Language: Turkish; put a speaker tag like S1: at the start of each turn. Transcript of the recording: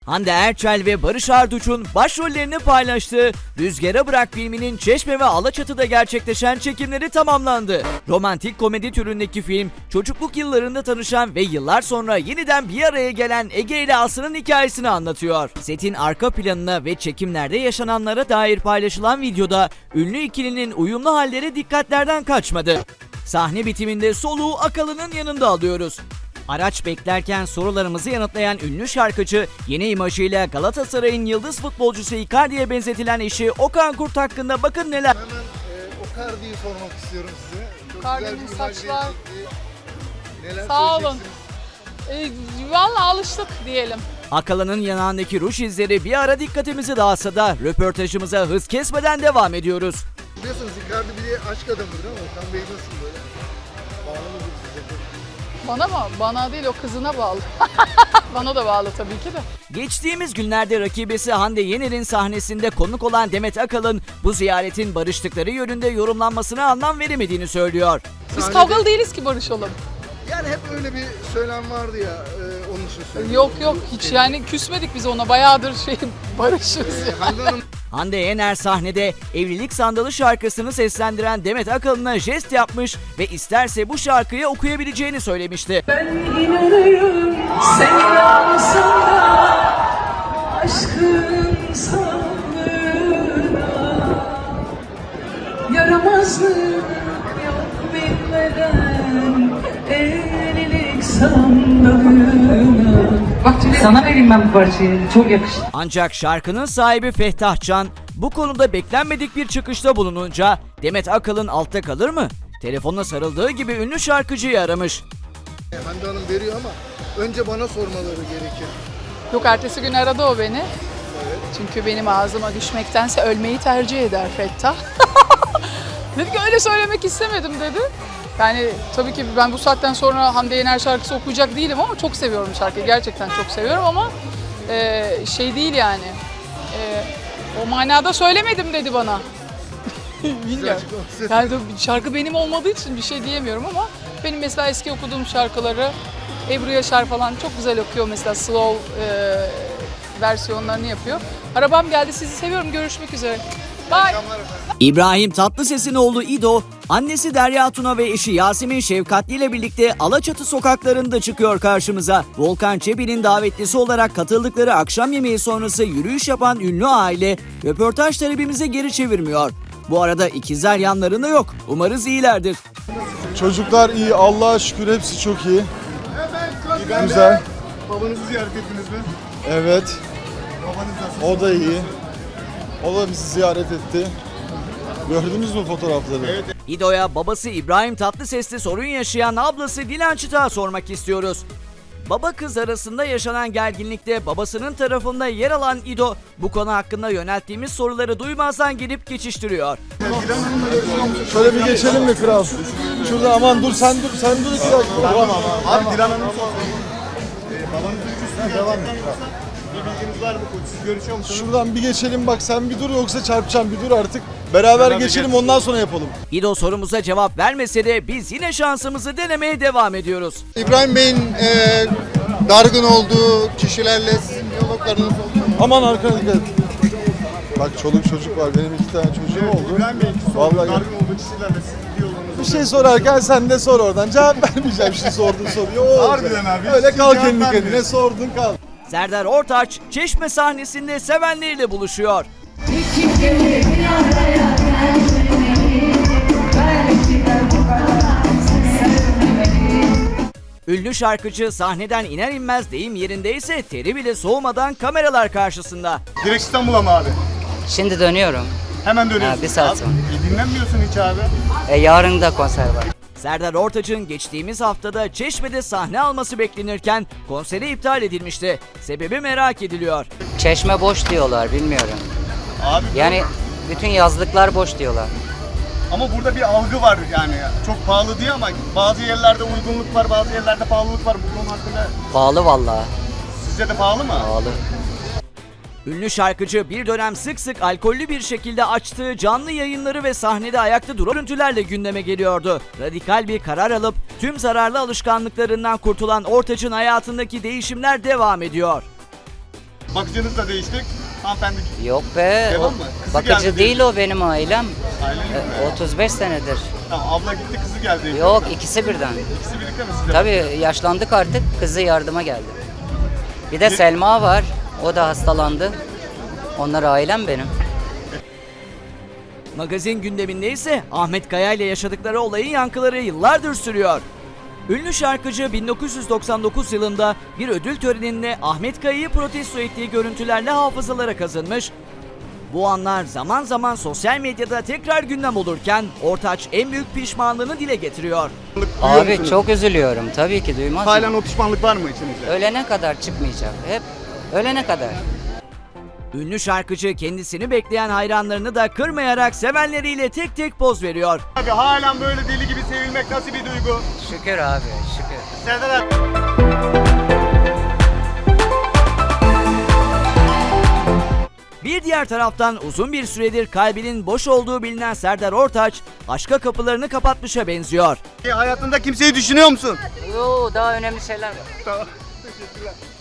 S1: Hande Erçel ve Barış Arduç'un başrollerini paylaştığı Rüzgara Bırak filminin Çeşme ve Alaçatı'da gerçekleşen çekimleri tamamlandı. Romantik komedi türündeki film, çocukluk yıllarında tanışan ve yıllar sonra yeniden bir araya gelen Ege ile Aslı'nın hikayesini anlatıyor. Setin arka planına ve çekimlerde yaşananlara dair paylaşılan videoda ünlü ikilinin uyumlu halleri dikkatlerden kaçmadı. Sahne bitiminde soluğu Akalı'nın yanında alıyoruz. Araç beklerken sorularımızı yanıtlayan ünlü şarkıcı, yeni imajıyla Galatasaray'ın yıldız futbolcusu Icardi'ye benzetilen eşi Okan Kurt hakkında bakın neler.
S2: Hemen Icardi'yi sormak istiyorum size. Çok
S3: Icardi'nin
S2: güzel bir imaj
S3: saçlar.
S2: verecekti. Neler
S3: Sağ olun.
S2: söyleyeceksiniz?
S3: Valla alıştık diyelim.
S1: Akalı'nın yanağındaki ruj izleri bir ara dikkatimizi dağıtsa da röportajımıza hız kesmeden devam ediyoruz.
S2: Biliyorsunuz Icardi bir de aşk adamıdır ama Okan Bey nasıl böyle? Bağlı mıdır size?
S3: Bana mı? Bana değil, o kızına bağlı. Bana da bağlı tabii ki de.
S1: Geçtiğimiz günlerde rakibesi Hande Yener'in sahnesinde konuk olan Demet Akalın, bu ziyaretin barıştıkları yönünde yorumlanmasına anlam veremediğini söylüyor.
S3: Biz
S2: Sahnede-
S3: kavgalı değiliz ki barışalım.
S2: Yani hep öyle bir söylem vardı ya, onun için söylüyorum.
S3: Yok hiç yani küsmedik biz ona, bayağıdır barışız ya.
S2: Hande Hanım
S1: Hande Yener sahnede Evlilik Sandalı şarkısını seslendiren Demet Akalın'a jest yapmış ve isterse bu şarkıyı okuyabileceğini söylemişti.
S4: Ben inanırım sen yansın da aşkın sağlığına yaramazlık yok bilmeden evlilik sandalına. Bak sana vereyim ben bu parçayı, çok yakıştı.
S1: Ancak şarkının sahibi Fehtah Can bu konuda beklenmedik bir çıkışta bulununca Demet Akalın altta kalır mı? Telefonla sarıldığı gibi ünlü şarkıcıyı aramış.
S2: Hande Hanım veriyor ama önce bana sormaları gerekir.
S3: Yok, ertesi gün aradı o beni. Çünkü benim ağzıma düşmektense ölmeyi tercih eder Fettah. Dedi ki öyle söylemek istemedim dedi. Yani tabii ki ben bu saatten sonra Hande Yener şarkısı okuyacak değilim ama çok seviyorum şarkıyı. Gerçekten çok seviyorum ama şey değil yani. O manada söylemedim dedi bana. Bilmiyorum. Yani tabii şarkı benim olmadığı için bir şey diyemiyorum ama benim mesela eski okuduğum şarkıları Ebru Yaşar falan çok güzel okuyor, mesela slow versiyonlarını yapıyor. Arabam geldi, sizi seviyorum, görüşmek üzere. Bye.
S1: İbrahim Tatlıses'in oğlu İdo, annesi Derya Tuna ve eşi Yasemin Şefkatli ile birlikte Alaçatı sokaklarında çıkıyor karşımıza. Volkan Çebi'nin davetlisi olarak katıldıkları akşam yemeği sonrası yürüyüş yapan ünlü aile röportaj talebimize geri çevirmiyor. Bu arada ikizler yanlarında yok. Umarız iyilerdir.
S5: Çocuklar iyi, Allah'a şükür hepsi çok iyi. Güzel.
S2: Babanızı ziyaret ettiniz mi?
S5: Evet,
S2: Babanız nasıl?
S5: o da iyi. O da bizi ziyaret etti. Gördünüz mü fotoğrafları? Evet.
S1: İdo'ya babası İbrahim Tatlıses'le sorun yaşayan ablası Dilan Çıtak'a sormak istiyoruz. Baba kız arasında yaşanan gerginlikte babasının tarafında yer alan İdo, bu konu hakkında yönelttiğimiz soruları duymazdan gelip geçiştiriyor.
S5: Şöyle bir geçelim mi kral? Şurada aman dur sen dur iki dakika. Tamam
S2: Abi Dilan Hanım babanızın küstüğü devam et. Bir bilginiz var mı? Siz görüşüyor musunuz?
S5: Şuradan bir geçelim bak sen bir dur yoksa çarpacağım bir dur artık. Beraber geçelim ondan sonra yapalım.
S1: İdo sorumuza cevap vermese de biz yine şansımızı denemeye devam ediyoruz.
S2: İbrahim Bey'in dargın olduğu kişilerle sizin diyaloglarınız oldu mu?
S5: Aman arkana dikkat et. Bak çoluk çocuk var benim 2 tane çocuğum oldu.
S2: İbrahim Bey
S5: Vallahi
S2: dargın olduğu kişilerle sizin diyalogunuz
S5: bir şey sorarken sen de sor oradan. Cevap vermeyeceğim şimdi sorduğun soruyu. O olacak.
S2: Harbiden abi, hiç
S5: Öyle kal
S2: cevap
S5: kendi kendine
S2: vermiyorsun.
S5: sordun kal.
S1: Serdar Ortaç, Çeşme sahnesinde sevenleriyle buluşuyor. Ünlü şarkıcı sahneden iner inmez deyim yerindeyse teri bile soğumadan kameralar karşısında.
S2: Direkt İstanbul'a mı abi?
S6: Şimdi dönüyorum.
S2: Hemen dönüyorsun.
S6: Ha, bir saat
S2: Abi,
S6: sonra.
S2: dinlenmiyorsun hiç abi.
S6: Yarın da konser var.
S1: Serdar Ortaç'ın geçtiğimiz haftada Çeşme'de sahne alması beklenirken konseri iptal edilmişti. Sebebi merak ediliyor.
S6: Çeşme boş diyorlar, bilmiyorum.
S2: Abi
S6: Yani bütün yazlıklar boş diyorlar.
S2: ama burada bir algı var yani. Çok pahalı diye ama bazı yerlerde uygunluk var, bazı yerlerde pahalılık var. Bu konu hakkında
S6: Pahalı vallahi.
S2: sizce de pahalı mı?
S6: Pahalı.
S1: Ünlü şarkıcı bir dönem sık sık alkollü bir şekilde açtığı canlı yayınları ve sahnede ayakta duran görüntülerle gündeme geliyordu. Radikal bir karar alıp tüm zararlı alışkanlıklarından kurtulan Ortaç'ın hayatındaki değişimler devam ediyor.
S2: Bakıcınız da değiştik. Hanımefendi
S6: Yok be.
S2: Devam mı? Kızı
S6: Bakıcı
S2: geldi
S6: değil o benim ailem.
S2: ailen mi?
S6: 35 senedir.
S2: Tamam, abla gitti, kızı geldi.
S6: Yok, ikisi birden.
S2: İkisi birlikte mi size?
S6: Tabii yaşlandık artık. Kızı yardıma geldi. Bir de Selma var. O da hastalandı. Onlar ailem benim.
S1: Magazin gündeminde ise Ahmet Kaya ile yaşadıkları olayın yankıları yıllardır sürüyor. Ünlü şarkıcı 1999 yılında bir ödül töreninde Ahmet Kaya'yı protesto ettiği görüntülerle hafızalara kazınmış. Bu anlar zaman zaman sosyal medyada tekrar gündem olurken Ortaç en büyük pişmanlığını dile getiriyor.
S2: Duyuyor
S6: Abi
S2: musunuz?
S6: çok üzülüyorum. Tabii ki duymaz mı?
S2: Halen o pişmanlık var mı içinizde?
S6: Ölene kadar çıkmayacak. Hep ölene kadar.
S1: Ünlü şarkıcı kendisini bekleyen hayranlarını da kırmayarak sevenleriyle tek tek poz veriyor.
S2: Abi halen böyle deli gibi sevilmek nasıl bir duygu?
S6: Şükür abi, şükür.
S2: Serdar abi.
S1: Bir diğer taraftan uzun bir süredir kalbinin boş olduğu bilinen Serdar Ortaç, aşka kapılarını kapatmışa benziyor.
S2: Hayatında kimseyi düşünüyor musun?
S6: Yo, daha önemli şeyler var.
S2: Tamam. Teşekkürler.